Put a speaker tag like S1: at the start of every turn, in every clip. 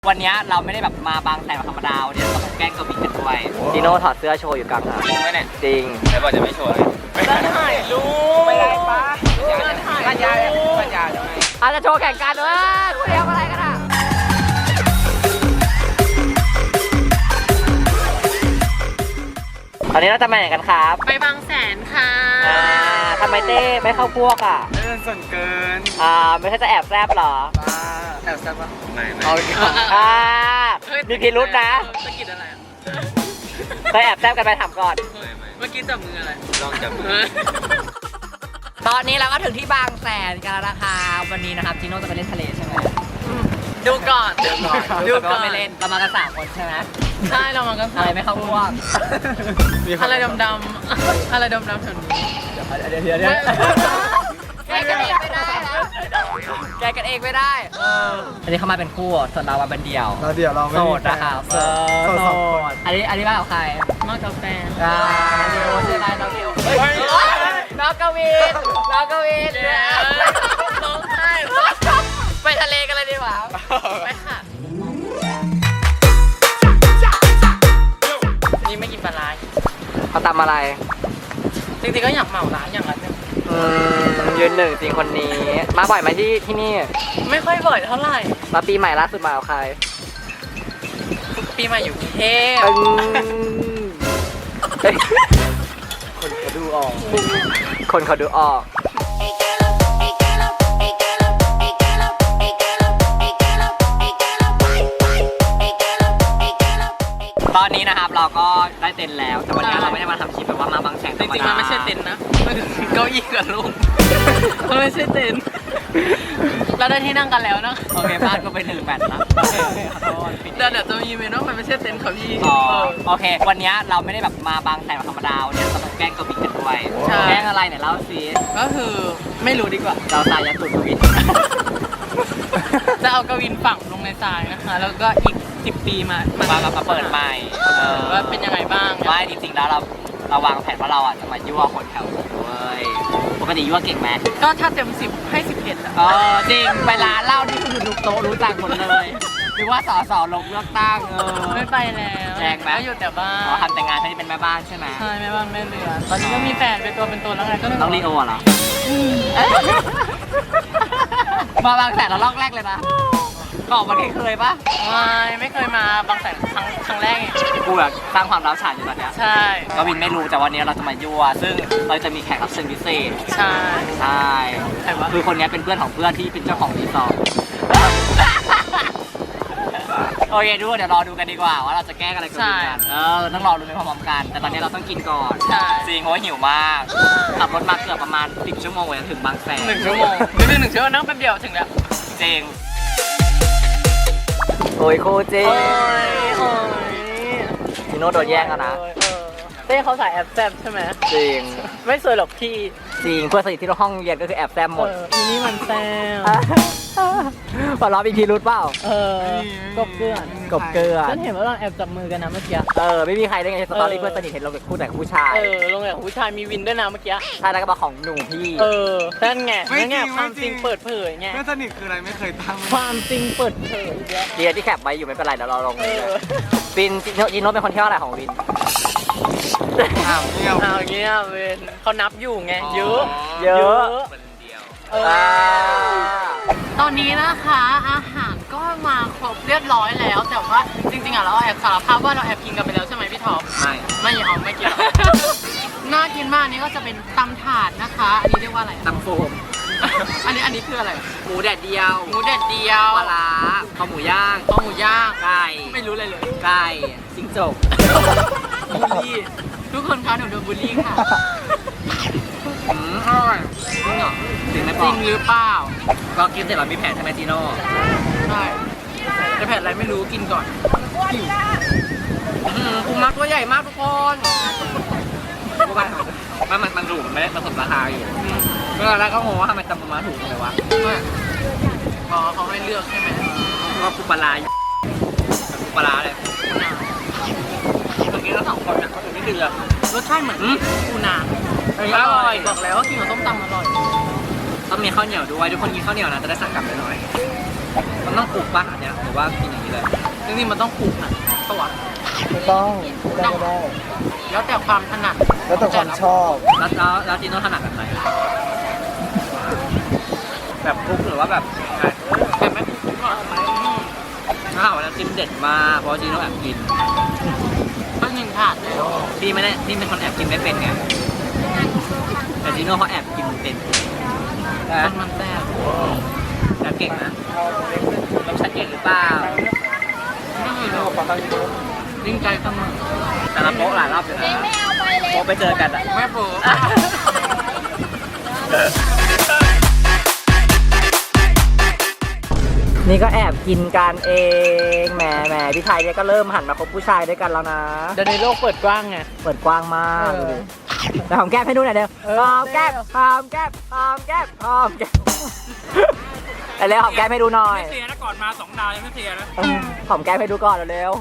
S1: วันนี้เราไม่ได้แบบมาบางแสนธรรมดาวันนี้เราต้องแกล้งกวินกันด้วย
S2: จีโน่ถอดเสื้อโชว์อยู่กลางทาง
S1: จริงไหมเนี่ย
S2: จริง
S1: แต่บอกจะไม่โชว์เลยจะถ่ายรูปไม่ได้ปะจะถ่ายรูปปัญญาจะไง
S2: อาจจะโชว์แข่งกันด้วยคุณเดียวอะไรกันอ่ะตอนนี้เราจะมาไหนกันครับ
S3: ไปบางแสนค่ะ
S2: ทำไมเต้ไม่เข้าพวกอ่ะ
S1: ส่วนเกิน
S2: ไม่ใช่จะแอบแซบเหรอ
S1: บ้าแอบแซ่บปะไม่ไม่
S2: มีพิรุษนะ
S3: สะกิดอะไรอ่ะ
S2: เคยแอบแซบกันไปถามก่อน
S3: เมื่อกี้จับมืออะไร
S1: ลองจับมือ
S2: ตอนนี้เราก็ถึงที่บางแสนกันแล้วนะคะวันนี้นะครับจีโน่จะไปเล่นทะเลใช่ไหม
S3: ดูก่อน
S2: ดูก่อนไม่เล่นเรามากัน3 คนใช่ไหม
S3: ใช่เรามากัน
S2: อะไรไม่เข้าพวก
S3: อะไรดำๆอะไรดำๆแถวนี้
S2: เดี๋ยวแกกันเองไม่ได้นะแกกันเองไม่ได้อันนี้เขามาเป็นคู่ส่วนเรามาเป็นเดี่ยว
S4: เราเดี๋ยวเราไม่
S2: โส
S4: มี
S2: ดนะครับโส
S4: โสดสองคน
S2: อันนี้มากับใคร
S3: มากกาแฟ
S2: เดี๋ยวใช่ไหมน้องวิวน้องกวินน้องกวิน
S3: ร้องไห้
S2: ไปทะเลกันเลยดีกว่า
S3: ไปค่ะนี่ไม่กินปลาร้า
S2: เขาทำอะไร
S3: จริงๆก็อยากเหมาร้านอย่างนั้นเนี่ย
S2: ยืนหนึ่งจริงคนนี้ มาบ่อยไหมที่นี่
S3: ไม่ค่อยบ่อยเท่าไหร่
S2: มาปีใหม่ล่าสุดมากับใคร
S3: ปีใหม่อยู่กรุงเทพ
S2: คนเขาดูออก คนเขาดูออก ตอนนี้นะครับเราก็ได้เต็นท์แล้ว แต่วันนี้เราไม่ได้มาทำคลิปแบบว่ามาบางแสน
S3: จริงๆมันไม่ใช่เต็นท์นะมันคือเก้าอี้กับลุงมันไม่ใช่เต็นท์เราได้ที่นั่งกันแล้วนะ
S2: โอเคบ้านก็ไป1 แบตแล้วโอเคขอโทษ
S3: เดี๋ยวจะมีเมนูมันไม่ใช่เต็นท์ค่ะพี่
S2: อ๋อโอเค วันนี้เราไม่ได้แบบมาบางแสนธรรมดาวันนี้เราต้องแกล้งกวินกันด้วยแกล้งอะไรเนี่ยเล่าสิ
S3: ก็คือไม่รู้ดีกว่า
S2: เราสายยัดตุนกวิน
S3: จะเอากวินฝังลงในทรายนะคะ แล้วก็อีก10 ปีมา
S2: เปิดใหม่
S3: ว่าเป็นยังไงบ้าง
S2: ไม่จริงๆแล้วเราวางแผนว่าเราอ่ะจะมายั่วคนแถวนี้ด้วยปกติยั่วเก่งไหม
S3: ก็ถ้าเต็ม10ให้11อ่ะ
S2: จริงไปร้านเหล้าที่คือทุกโต๊ะรู้จักหมดเลยหรือว่าสลงเลือกตั้ง
S3: ไม่ไปแล้ว
S2: แจกไหม
S3: ก็อยู่แต่บ้าน
S2: ทำแต่งานที่เป็นแม่บ้านใช่ไหม
S3: ใช่แม่บ้านแม่เรือนตอนนี้ก็มีแฟนเป็นตัวแล้วไงก็เลย
S2: ต้องรีโอเหรอมาบางแสนเราลอกแรกเลยนะก่อนมันเคยปะ
S3: ไม่เคยมาบางแสนครั้งแรกไง
S2: กูแบบสร้างความร้าวฉานอยู่ตอนเนี้ย
S3: ใช่
S2: กวินไม่รู้แต่วันนี้เราจะมายั่วซึ่งเราจะมีแขกรับเชิญพิเศษ
S3: ใช่
S2: ใช่
S3: ใครวะ
S2: คือคนนี้เป็นเพื่อนของเพื่อนที่เป็นเจ้าของรีสอร์ทโอเคดูเดี๋ยวรอดูกันดีกว่าว่าเราจะแก้อะไรกันกันต้องรอดูไปพร้อมๆกัน แต่ตอนนี้เราต้องกินก่อน
S3: ใช่
S2: จริงเพราะว่าหิวมากขับรถมาเกือบประมาณ10 ชั่วโมงกว่าจะถึงบางแสน
S3: 1 ชั่วโมงคือ1 ชั่วโมงนั่งแป๊บเดียวถึงแล้ว
S2: จริงโอ้ยโคเจพี่โน้ตโดนแย่งแล้วนะ
S3: เต้เขาสายแอบแซบใช่ไหม
S2: จริง
S3: ไม่สวยหรอกพี่
S2: จริงเพื่อนสนิทที่ห้องเรียนก็คือแอบแซมหมด
S3: อีนี่มันแซว
S2: พอเรามีพิรุธเปล่า
S3: กบเกลื่อน
S2: กบเกลือ
S3: ฉันเห็นว่าเราแอบจับมือกันนะเมื่อกี้
S2: ไม่มีใครได้ไงสตอรี่เพื่อนสนิทเห็นเราเป็นคู่แต่กับผู้ชาย
S3: ลงแบบผู้ชายมีวินด้วยนะเมื่อกี้
S2: ใช่แล้วก็มาของหนุ่มพี่
S3: นั่นไง
S4: ไม่จริง
S3: นั่นไงความ
S4: ไม่
S3: จ
S4: จริ
S3: ริง
S4: ง
S3: เปิดเผยไง
S4: เพื่อนสนิทคืออะไรไม่เคยตั้ง
S3: ความจริงเปิดเผยอีกแล้ว
S2: เดียที่แคปไว้อยู่ไม่เป็นไรเดี๋ยวเราลงวินจิโนเป็นคนเที่ยวอะไรของวิน
S4: อ้าวเที่ยว
S3: เอาอย่างเงี้ยเวนเขานับอยู่ไง เยอะ
S2: เยอะ
S1: คนเดียว
S3: ตอนนี้นะคะอาหารก็มาครบเรียบร้อยแล้ว แต่ว่าจริงๆอ่ะเราแอบสารภาพว่าเราแอบกินกันไปแล้วใช่ไหมพี่ท็อป ไม่เอาไม่กิน น่ากินมากอันนี้ก็จะเป็นตำถาดนะคะ อันนี้เรียกว่าอะไร
S2: ตำโฟม
S3: อันนี้คืออะไร
S2: หมูแดดเดียว
S3: หมูเด็ดเดียว
S2: ปลาร้าข้าวหมูย่าง
S3: ข้าวหมูย่าง
S2: ไก่
S3: ไม่รู้เลยเลย
S2: ไก่จิ้งจก
S3: บูลลี่ทุกคนคะหนูโดนบูลลี่ค่ะ
S2: อร่อยจริงเหรอจริงไหม
S3: จ
S2: ปอ
S3: ริงหรือเปล่า
S2: ก็กินเสร็จเรามีแผนใช่ไหมจีโน่
S3: ใช่แต่แผ่นอะไรไม่รู้กินก่อน
S2: ปูม้าตัวใหญ่มากทุกคนมันถูกมันไม่ได้ผสมราคาอยู่เมื่อแรกก็งงว่าทำไมตำปูม้าถูกเลยวะ
S3: อ๋อเขาให้เลือกใช่ไหม
S2: ก็ปูปลาปูปลาเลยเมื่อกี้เรา2 คนเนี่ยเขาถึงไม่เดือด
S3: รสชาติเหมือนปูนา
S2: อร่อย
S3: บอกแล้วว่ากินกับส้มตำอร่อย
S2: ต้องมีข้าวเหนียวด้วยทุกคนกินข้าวเหนียวนะจะได้สั่งกลับไปหน่อยมันต้องปลูกป่ะอันเนี้ยหรือว่ากินอย่างนี้เลย
S3: จริงๆมันต้องปลูกนะตัว
S4: ไม่ต้องไม่ได้
S3: แล้วแต่ความถนัด
S4: แล้วแต่ความชอบ
S2: แล้วจีโน่ถนัดแบบไหนแบบคลุกหรือว่าแบบไง
S3: แต่ไม่ปลูกก็เอาไป
S2: ถ้าหากว่าน้ำจิ้มเด็ดมากเพราะจีโน่แอบกิน
S3: ก็หนึ่งถาดเลย
S2: พี่ไม่ได้พี่เป็นคนแอบกินไม่เป็นไงแต่จีโน่เขาแอบกินเป็นนะ
S3: มันแซ่บ
S2: แอบเก่งนะต้องชัดเก่งหรือเปล่า
S3: ไม่เคยรู้ยิ่งใจเสมอ
S2: แต่ละโป๊ะหลายรอบอยู่นะโป๊ะไปเจอกันอะ
S3: ไม่ปลูก
S2: นี่ก็แอบกินกันเองแหมพี่ชายเนี่ยก็เริ่มหันมาคบผู้ชายด้วยกันแล้วนะ
S3: เดี๋ยวในโลกเปิดกว้างไง
S2: เปิดกว้างมาก
S3: เออ
S2: ดูดิแต่หอมแก้มให้ดูหน่อยเดียวหอมแก้มหอมแก้มหอมแก้มหอมแก้มเอาเร็วหอมแก้มให้ดูหน่อย
S1: ไม่เสียนะก่อนมา2 ดาวยังไม่เสียนะ
S2: หอมแก้มให้ดูก่อนเร็ว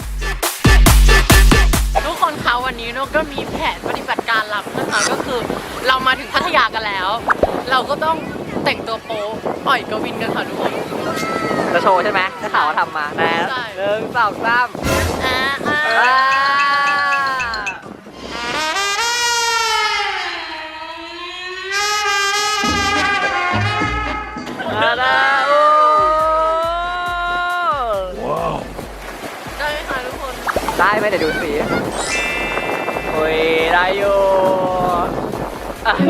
S3: ทุกคนคะวันนี้นกก็มีแผนปฏิบัติการลับนะคะก็คือเรามาถึงพัทยากันแล้ว เราก็ต้องแต่งตัวโป๊ปล่อยกวินกันค่ะทุกคน
S2: ๆจะโชว์ใช่ไหมถ้าข่าวว่าทำมานะ
S3: ใช่
S2: 1 2 3
S3: อ่า
S2: มาแล้วโอ้
S3: ได้ไหมคะทุกคน
S2: ได้ไหมเดี๋ยวดูสิโอ้ยได้อยู่อ่ะ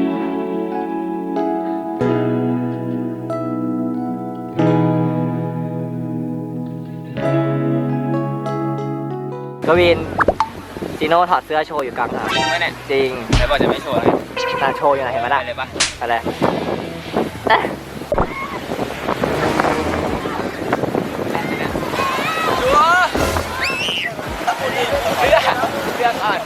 S2: กวินจีโน่ถอดเสื้อโชว์อยู่กลางหาด
S1: จริงไหมเนี่ย
S2: จริง
S1: แล้วบอกจะไม่โชว์ไง
S2: นางโชว์อยู่ไหนเห็นไหม
S1: ไป
S2: ล่ะ
S1: เลยปะ
S2: อะไรเอ๊ะ
S1: เรื่องอ่อน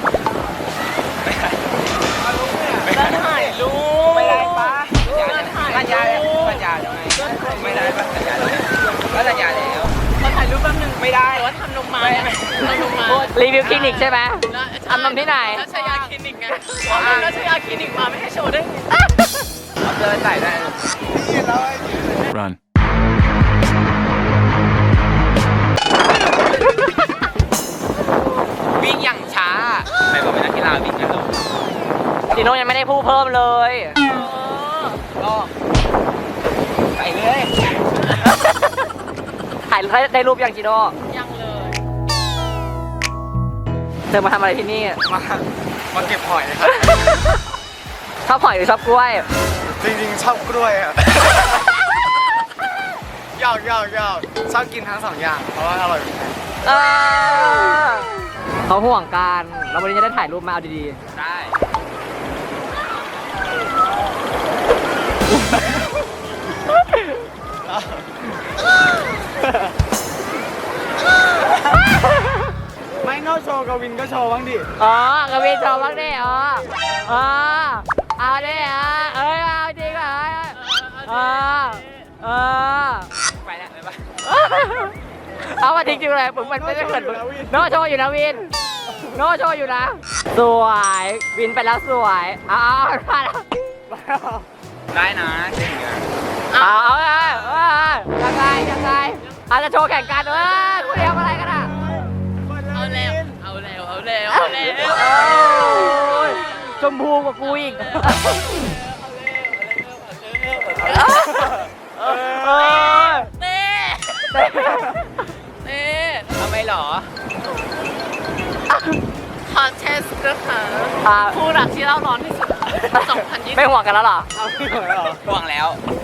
S3: ได้ถ่ายรูป
S1: ไม่ได้ปะ
S3: ได้ถ่าย
S1: สัญญาแล้วสัญญาแล้วไงไม่ได้ปะสัญญาแล้วก็สัญญาแล้ว
S3: มาถ่ายรูปแป๊บนึง
S1: ไม่ได้
S3: แต่ว่าทำนมมาไงทำนมมา
S2: รีวิวคลินิกใช่ไหม ทำนมที่ไหน
S3: รัชยาคลินิกไงอ๋อรัชยาคลินิกมาไม่ให้โชว์ได้ไง
S1: เอาเสื้อใส่ได้
S5: Run.
S1: วิ่งอย่างช้าไม่บอกเป็นนักกีฬาวิ่งกันหรอก
S2: จีโน่ยังไม่ได้พูดเพิ่มเลย
S1: ก็ใส่เลย
S2: ถ่ายได้รูปยังจีโน่
S3: ยังเลย
S2: เธอมาทำอะไรที่นี่
S4: มาเก็บหอยครับ
S2: ชอบหอยหรือชอบกล้วย
S4: จริงๆชอบกล้วยอ่ะยอกชอบกินทั้ง2 อย่างเพราะว่าอร่อยเหมือนกัน
S2: เขาห่วงกันแล้ววันนี้จะได้ถ่ายรูปมาเอาดี
S1: ได้
S4: ไม่นอกโชว์กวินก็โชว์บ้างดิ
S2: ๆอ๋อกวินชอบบ้างดิอ๋อเอาดิเอาจริงเหรอ
S1: ไปแล้วไปปะ
S2: เอามาจริงๆเลยผมมันไม่ได้เหมือนโนโชว์อยู่นะวินโนโชว์อยู่นะ สวยวินไปแล้วสวยเอามาแล้ว
S1: ได้นะเก่งอ่ะ
S2: เอายังไงอาจจะโชว์แข่งกันคู่เดียวอะไรกันอ่ะ
S3: เอาแล้ว
S2: ชมพูกว่ากูอีก
S3: เต้
S1: ทำไมหรอ
S3: คอนเทสต์นะคะคู่รักที่เล่าร้อนที่สุด2020
S2: ไม่ห่วงกันแล้วเหรอ
S1: ห่วงแล้ว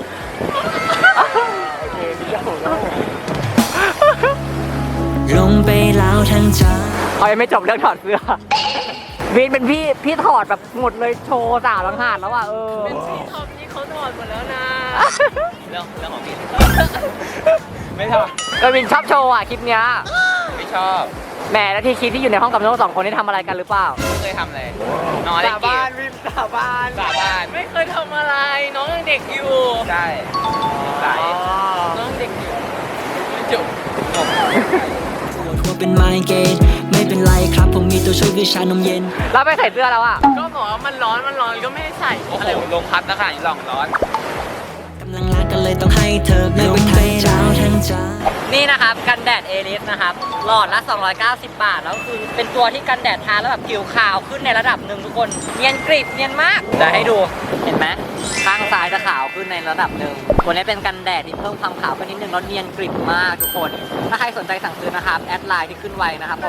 S6: ลงไปแล้วทั้งใจ
S2: เขายังไม่จบเรื่องถอดเสื้อวินเป็นพี่ถอดแบบหมดเลยโชว์สาวลังหาดแล้วอ่ะ
S3: เป็นพี่ท็อปนี่เขาถอดหมดแล้วนะ
S1: เรื่องของพี่ไม่ท
S2: ก็วินชอบโชว์อ่ะคลิปเนี้ย
S1: ำไม่ชอบ
S2: แหมแล้วที่คลิปที่อยู่ในห้องกับโน้อง2 คนนี่ทำอะไรกันหรือเปล่า
S1: ไม่เคยทำเลยนอนเล่นเกม
S4: วินสาบาน
S1: สาบาน
S3: ไม่เคยทำอะไรน้องยังเด็กอยู่
S1: ใช่สาย
S3: น้องเด็กอยู่ไม่จบ
S6: ปวดหัวเป็นไมเกรนไม่เป็นไรครับ ผมมีตัวช่วยคือชานมเย็น
S2: แล้วไปใส่เสื้อแล้วอ่ะ
S3: ก็บอกว่ามันร้อนก็ไม่ให้ใส่
S1: โอ้โหลงพัดแล้วค่ะนี่ลองร้อน
S6: กำลังรักก็เลยต้องให้เธอไม่ไปทั้งเจ้าทั้งใจ
S2: นี่นะครับกันแดดเอลิสนะครับหลอดละ290 บาทแล้วคือเป็นตัวที่กันแดดทาแล้วแบบผิวขาวขึ้นในระดับหนึ่งทุกคนเนียนกริบเนียนมากเดี๋ยวให้ดูเห็นไหมข้างซ้ายจะขาวขึ้นในระดับหนึ่งตัวนี้เป็นกันแดดที่เพิ่มความขาวขึ้นนิดนึงแล้วเนียนกริบมากทุกคนถ้าใครสนใจสั่งซื้อนะครับแอดไลน์ที่ขึ้นไว้นะครับผม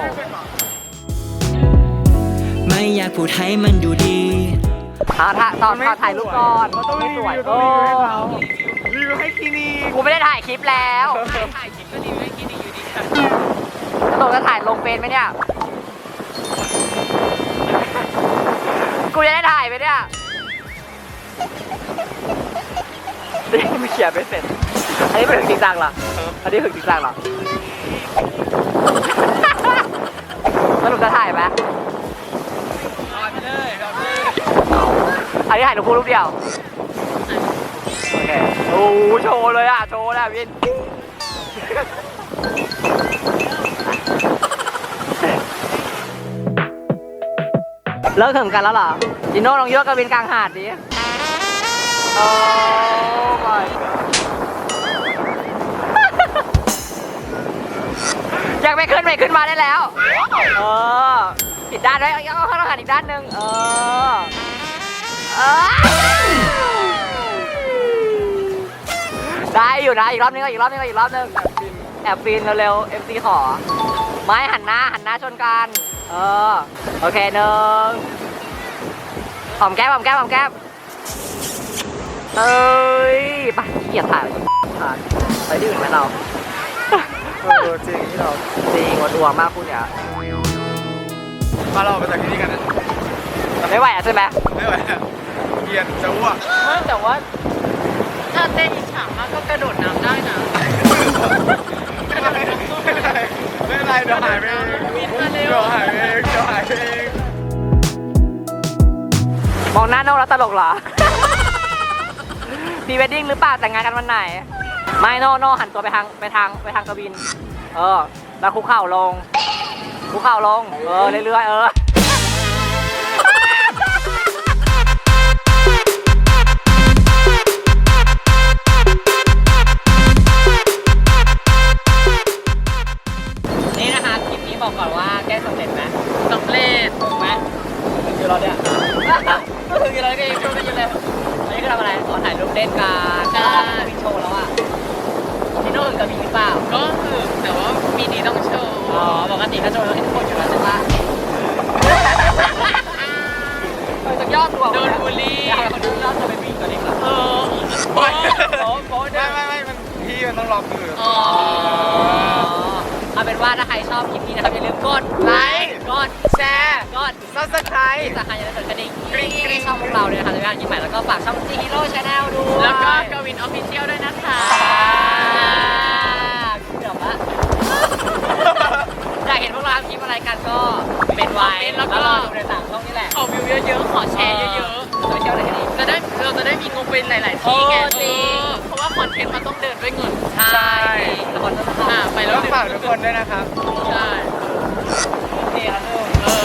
S6: ไม่อยากพูดให้มันดูดี
S2: ตอนถ่ายรูปก่อนไม่สวย
S4: ต้องรีวิวให้เขารีวิวให้คลินิก
S2: กูไม่ได้ถ่ายคลิปแล้ว
S3: ถ่ายคลิปก็ดีไม่คิดดีอยู่ดีค่ะ
S2: ตกจะถ่ายลงเฟซไหมเนี่ยกูจะได้ถ่ายไหมเนี่ยนี่ไม่เขียนไม่เสร็จอันนี้เป็นถึงจริงจังเหรออันนี้ถึงจริงจังเหรอสรุปจะถ่ายไหมอันนี้ถ่ายรูปคู่รูปเดียว โอเค โอ้โหโชว์เลยอ่ะ โชว์แล้ววิน เลิกถึงกันแล้วเหรอจิโน่ลองยกกับวินกลางหาดดิ โอ้ยอยากไปขึ้นมาได้แล้ว เออผิดด้านด้วยเอาข้างหันอีกด้านหนึ่งได้อยู่นะอีกรอบนึงแอบฟินเร็วๆ MC ขอไม้หันหน้าชนกันโอเคหนึ่งหอมแก้มเอ้ยไปเกลียดถ่ายไปที่อื่นไหมเรา
S4: จริงที่เรา
S2: จริงวันดวงมากคุณเนี่ย
S4: มาเราไปจากที่นี่กันนะ
S2: แต่ไม่ไหวอ่ะใช่ไหม
S4: ไม่ไหวอะเกียนจะอ้วก
S3: แต่ว่าถ้าเต้นอีกฉากมากก็กระโดดน้ำได้นะ
S4: ไม่เป็นไรเดี๋ยวหายไปเองเดี๋ยวหายไปเอง
S2: มองหน้าโน่แล้วตลกเหรอ พรีเวดดิ้งหรือเปล่าแต่งงานกันวันไหน ไม่โน่หันตัวไปทางกวินแล้วคุกเข่าลงเรื่อยๆนี่นะคะคลิปนี้บอกก่อนว่าแก้สำเร็จไหม
S3: สำเร็จ
S2: ถูกไหมถึงอยู่เราเนี่ยก็ถึงอยู่เราเองช่วงนี้อยู่เลยอันนี้ก็ทำอะไรขอถ่ายรูปเล่นกันวินโชว์แล้วอ่ะพี่โน่ถึงกับมีหรือเปล่า
S3: ก็คือแต่ว่าปีนี้ต้องโชว์
S2: อ๋อปกติถ้าโชว์เราเห็นทุกคนอยู่แล้วใช่ปะจากยอดตัว
S3: โดนบูลลี่
S2: อยากให้คนดูยอดตัวเป็นวีตัวเล็กเหรอ
S4: ไม่
S2: โป๊ะด้วย
S4: มันพี่มันต้องล็อกมือ
S3: อ๋อ
S2: เอาเป็นว่าถ้าใครชอบคลิปนี้นะครับอย่าลืมกดไลค์กดแชร์กด
S4: Subscribe
S2: ที่สำคัญอย่าลืมกดกระดิ่งที่ช่องพวกเราเลยนะครับในการกินใหม่แล้วก็ฝากช่อง G Hero Channel ด้วย
S3: แล้วก็กวินออฟฟิเชียลด้วยนะคะ
S2: เดี๋ยวว่าอยากเห็นพวกเราทำคลิปอะไรกันก็เป็นไว้แล้วก็รอดูในต่างช่องนี่แหละ
S3: ขอวิวเยอะๆ ขอแชร์เยอะ
S2: โซเชียลไหนกันดี
S3: ๆเราจะได้มีงบเป็นหลาย ๆ ที่ไง
S2: โอ้จริง
S3: เพราะว่าคอนเทนต์มันต้องเดินด้วยเงิน
S2: ใช่ละครต้นฉบับ
S3: ไปแล้ว
S4: ฝากทุกคนด้วยนะครับ
S3: ใช่
S2: นี่ครับทุก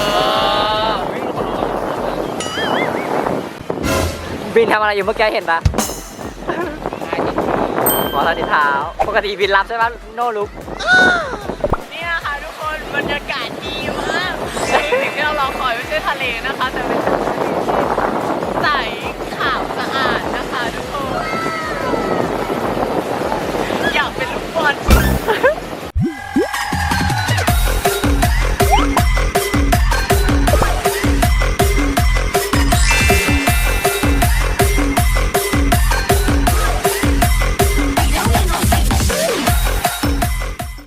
S2: บินทำอะไรอยู่เมื่อกี้เห็นปะหมอทาดิเท้าปกติบินรับใช่ปะโนลุก
S3: นี่นะคะทุกคนบรรยากาศดีมากสิ่งที่เรารอคอยไม่ใช่ทะเลนะคะ แต่เป็น